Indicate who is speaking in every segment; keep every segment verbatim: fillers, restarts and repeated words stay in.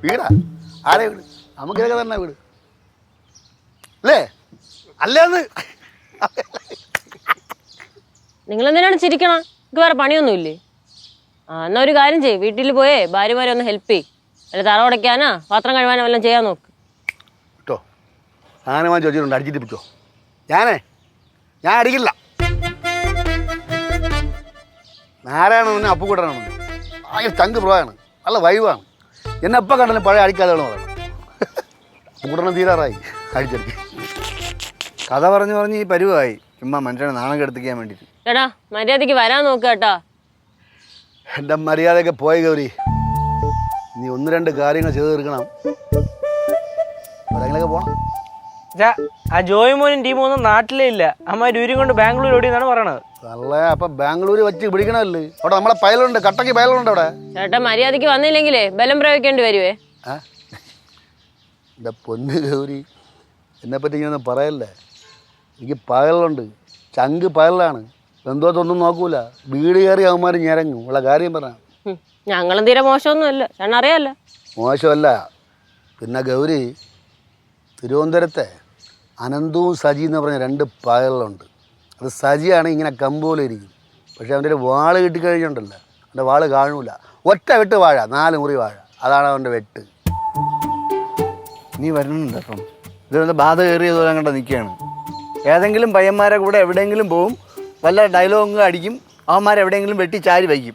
Speaker 1: വീടാ ആരെ വീട് നമുക്കിതൊക്കെ തന്നെ വീട് അല്ലേ അല്ലേന്ന്
Speaker 2: നിങ്ങളെന്തിനാണ് ചിരിക്കണം? എനിക്ക് വേറെ പണിയൊന്നുമില്ലേ? ആ എന്നാ ഒരു കാര്യം ചെയ്യ്, വീട്ടിൽ പോയേ ഭാര്യമാരെ ഒന്ന് ഹെൽപ്പ് ചെയ്യ്. അല്ല തറ ഉടയ്ക്കാനാ പാത്രം കഴുകാനോ എല്ലാം ചെയ്യാൻ നോക്ക്
Speaker 1: കേട്ടോ. സാധനമാൻ ചോദിച്ചിട്ടുണ്ട് അടിച്ചിട്ട് പിടിച്ചോ. ഞാനേ ഞാൻ അടിക്കില്ല. നാരായണ അപ്പുകൂട്ടനാണ് ഭയങ്കര ചങ്ക് പ്രോയാണ്, നല്ല വൈവാണ്. എന്നെ എപ്പോൾ കണ്ടാലും പഴയ അടിക്കാതെയാണ് പറയണം. അപ്പുകൂട്ടണം തീരാറായി അടിച്ചടിക്ക്.
Speaker 3: കഥ പറഞ്ഞു പറഞ്ഞ് ഈ പരുവായി. ചുമ്മാ മനുഷ്യനെ നാണം കെടുത്തിക്കാൻ വേണ്ടിയിട്ട്.
Speaker 2: ചേട്ടാ മര്യാദയ്ക്ക് വരാൻ നോക്കുക കേട്ടാ.
Speaker 1: എൻ്റെ മര്യാദയൊക്കെ പോയി ഗൗരി. നീ ഒന്ന് രണ്ട് കാര്യങ്ങൾ ചെയ്തു തീർക്കണം. എവിടെയെങ്കിലൊക്കെ പോകണം.
Speaker 4: ആ ജോയ് മോനും ടീമൊന്നും നാട്ടിലേ ഇല്ല. അമ്മ രൂരും കൊണ്ട് ബാംഗ്ലൂർ ഓടിയെന്നാണ് പറയണത്.
Speaker 1: അല്ലേ അപ്പൊ ബാംഗ്ലൂര് വെച്ച് പിടിക്കണല്ലേ? അവിടെ നമ്മളെ പയലുണ്ട്, കട്ടക്ക് പയലുണ്ട് അവിടെ.
Speaker 2: ചേട്ടാ മര്യാദയ്ക്ക് വന്നില്ലെങ്കിലേ ബലം പ്രയോഗിക്കേണ്ടി വരുവേ.
Speaker 1: ആ എൻ്റെ പൊന്ന് ഗൗരി, എന്നെപ്പറ്റി ഇങ്ങനെ പറയല്ലേ. എനിക്ക് പയലുണ്ട്, ചങ്ക് പയലാണ്. ബന്ധുവത്തൊന്നും നോക്കൂല. വീട് കയറി അവന്മാർ ഞരങ്ങും. ഉള്ള കാര്യം പറയാം.
Speaker 2: ഞങ്ങളും തീരെ മോശമൊന്നും അല്ല, ചേട്ടൻ അറിയാല്ല.
Speaker 1: മോശമല്ല. പിന്നെ ഗൗരി, തിരുവനന്തപുരത്തെ അനന്തവും സജി എന്ന് പറഞ്ഞ രണ്ട് പയലുണ്ട്. അത് സജിയാണ് ഇങ്ങനെ കമ്പോലെ ഇരിക്കും. പക്ഷെ അവൻ്റെ ഒരു വാള് കിട്ടിക്കഴിഞ്ഞുണ്ടല്ലോ, അവൻ്റെ വാള് കാണൂല. ഒറ്റ വെട്ട് വാഴ, നാല് മുറി വാഴ, അതാണ് അവൻ്റെ വെട്ട്.
Speaker 3: നീ വരുന്നുണ്ട് അപ്പം ഇതൊന്ന് ബാധ കയറിയതുപോലെ അങ്ങോട്ട് നിൽക്കുകയാണ്. ഏതെങ്കിലും പയ്യന്മാരെ കൂടെ എവിടെയെങ്കിലും പോവും, വല്ല ഡയലോഗും അടിക്കും, അവന്മാരെവിടെയെങ്കിലും വെട്ടി ചാരി വയ്ക്കും.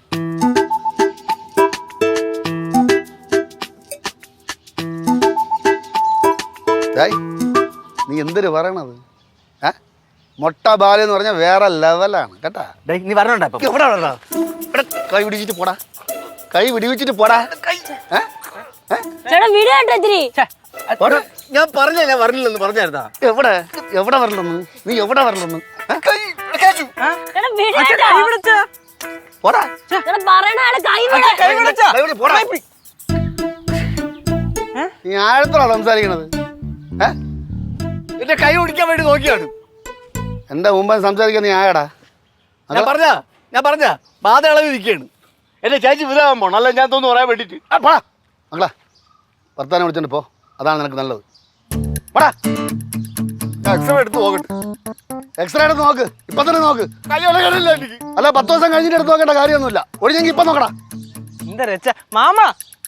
Speaker 1: നീ എന്തൊരു പറയണത്? ഏ മൊട്ട ബാല എന്ന് പറഞ്ഞാൽ വേറെ ലെവലാണ് കേട്ടാ.
Speaker 3: നീ പറഞ്ഞോണ്ടാ
Speaker 1: എവിടെ വേണ്ട കൈ പിടിച്ചിട്ട് പോടാ, കൈ പിടിവിച്ചിട്ട് പോടാ.
Speaker 2: ചേട്ടാ വീട് കേട്ടോ ഇത്തിരി.
Speaker 3: ഞാൻ പറഞ്ഞില്ല പറഞ്ഞില്ലെന്ന് പറഞ്ഞായിരുന്നാ.
Speaker 1: എവിടെ എവിടെ വരലെന്ന്? നീ എവിടെ വരലെന്ന്? പോടാ നീ ആഴത്തോടാ സംസാരിക്കണത്.
Speaker 3: എന്റെ കൈ ഓടിക്കാൻ വേണ്ടി നോക്കിയാണ്.
Speaker 1: എന്റെ മുമ്പ് സംസാരിക്കാൻ നീ ആയടാ.
Speaker 3: ഞാൻ പറഞ്ഞ ഞാൻ പറഞ്ഞ ബാധ ഇളവ് ഇരിക്കുകയാണ്. എന്റെ ചേച്ചി വിധാൻ പോണം, അല്ല ഞാൻ തോന്നുന്നു പറയാൻ വേണ്ടിട്ട്.
Speaker 1: പോടാ മകളാ, ഭർത്താനെ വിളിച്ചോണ്ട് പോ, അതാണ് നിനക്ക് നല്ലത്. പോടാ, എക്സ്റേ എടുത്ത് നോക്കട്ടെ. എക്സ്റേ എടുത്ത് നോക്ക്, ഇപ്പൊ തന്നെ നോക്ക്. അല്ല പത്ത് ദിവസം കഴിഞ്ഞിട്ട് എടുത്ത് നോക്കേണ്ട കാര്യമൊന്നുമില്ല. ഒഴിഞ്ഞെങ്കിൽ ഇപ്പൊ നോക്കടാ.
Speaker 4: എന്താ രച്ച മാമ.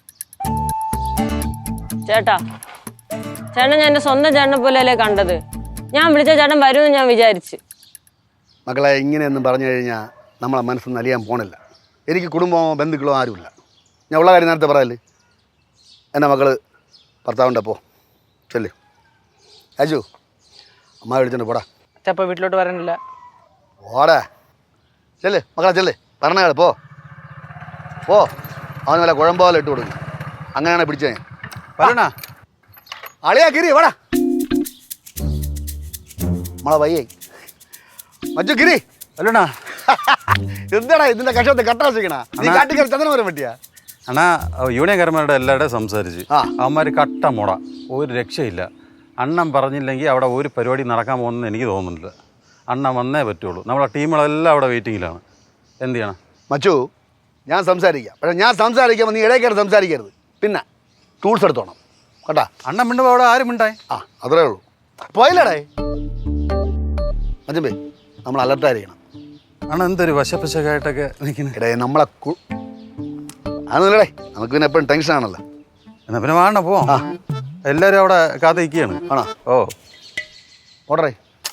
Speaker 2: ചേട്ടാ ചേട്ടൻ ഞാൻ എൻ്റെ സ്വന്തം ചേട്ടനെ പോലെയല്ലേ കണ്ടത്. ഞാൻ വിളിച്ച ചേട്ടൻ വരുമെന്ന് ഞാൻ വിചാരിച്ച്.
Speaker 1: മക്കളെ ഇങ്ങനെയൊന്നും പറഞ്ഞു കഴിഞ്ഞാൽ നമ്മളെ മനസ്സൊന്നും അലിയാൻ പോണില്ല. എനിക്ക് കുടുംബമോ ബന്ധുക്കളോ ആരുമില്ല. ഞാൻ ഉള്ള കാര്യം നേരത്തെ പറയല്ലേ. എൻ്റെ മക്കള് ഭർത്താവിൻ്റെ പോ ചെല്ല്. അജു അമ്മ വിളിച്ചോണ്ട് പോടാ.
Speaker 4: അച്ഛപ്പ വീട്ടിലോട്ട് വരാനില്ല.
Speaker 1: പോടാ ചെല്ല് മക്കളെ ചെല്ല്. പറഞ്ഞ പോ പോ. അവന് വല്ല കുഴമ്പോലെ ഇട്ട് കൊടുക്കും. അങ്ങനെയാണ് പിടിച്ചേ. പറഞ്ഞാ അളിയാ ഗിരി വാടാ. നമ്മളെ വയ്യേ മജു ഗിരി
Speaker 3: അല്ലണ
Speaker 1: എന്താടാ ഇതിന്റെ കഷത്തെ കട്ടാസിക്കണ? നീ കാട്ടിക്കറി ചന്ദനം വരാൻ പറ്റിയാ?
Speaker 5: അണ്ണാ യൂണിയൻകാരന്മാരുടെ എല്ലാവരുടെയും സംസാരിച്ച് അവന്മാർ കട്ട മുട, ഒരു രക്ഷയില്ല. അണ്ണൻ പറഞ്ഞില്ലെങ്കിൽ അവിടെ ഒരു പരിപാടി നടക്കാൻ പോകുന്നെന്ന് എനിക്ക് തോന്നുന്നില്ല. അണ്ണൻ വന്നേ പറ്റുള്ളൂ. നമ്മളെ ടീമുകളെല്ലാം അവിടെ വെയിറ്റിങ്ങിലാണ്. എന്ത് ചെയ്യണം
Speaker 1: മച്ചു? ഞാൻ സംസാരിക്കാം, പക്ഷെ ഞാൻ സംസാരിക്കുമ്പോൾ നീ ഇടയ്ക്കായിട്ട് സംസാരിക്കരുത്. പിന്നെ ടൂൾസ് എടുത്തോണം കേട്ടാ.
Speaker 5: അണ്ണൻ മിണ്ടുമ്പോൾ അവിടെ ആരും മിണ്ടായി.
Speaker 1: ആ അത്രേ ഉള്ളൂ. പോയില്ലടേ മച്ചമ്പേ, നമ്മൾ അലർട്ടായിരിക്കണം.
Speaker 5: അണ്ണൻ എന്തൊരു വശപ്പശകായിട്ടൊക്കെ നിൽക്കുന്നത്.
Speaker 1: ഇടേ നമ്മളെ അതൊന്നുമില്ലടേ, നമുക്ക് പിന്നെ എപ്പോഴും ടെൻഷനാണല്ലോ.
Speaker 5: എന്നാ പിന്നെ വേണ്ട പോവാം. എല്ലാവരും അവിടെ കാത്ത് നിൽക്കുകയാണ്.
Speaker 1: ആണോ?
Speaker 5: ഓ
Speaker 1: ഓടറേ.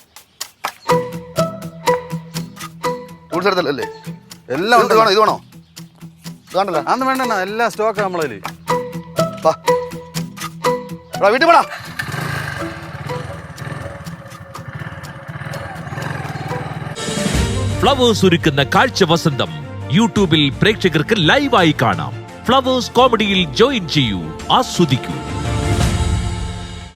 Speaker 1: ടൂൾസ് എടുത്തല്ലേ?
Speaker 5: എല്ലാം ഉണ്ട്.
Speaker 1: വേണോ? ഇത് വേണോ? ഇത് വേണ്ടല്ലോ.
Speaker 5: അന്ന് വേണ്ട, എല്ലാ സ്റ്റോക്ക് നമ്മളതിൽ.
Speaker 1: വീട്ടിൽ പോടാ.
Speaker 6: ഫ്ലവേഴ്സ് ഒരുക്കുന്ന കാഴ്ച വസന്തം യൂട്യൂബിൽ പ്രേക്ഷകർക്ക് ലൈവായി കാണാം. ഫ്ലവേഴ്സ് കോമഡിയിൽ ജോയിൻ ചെയ്യൂ, ആസ്വദിക്കൂ.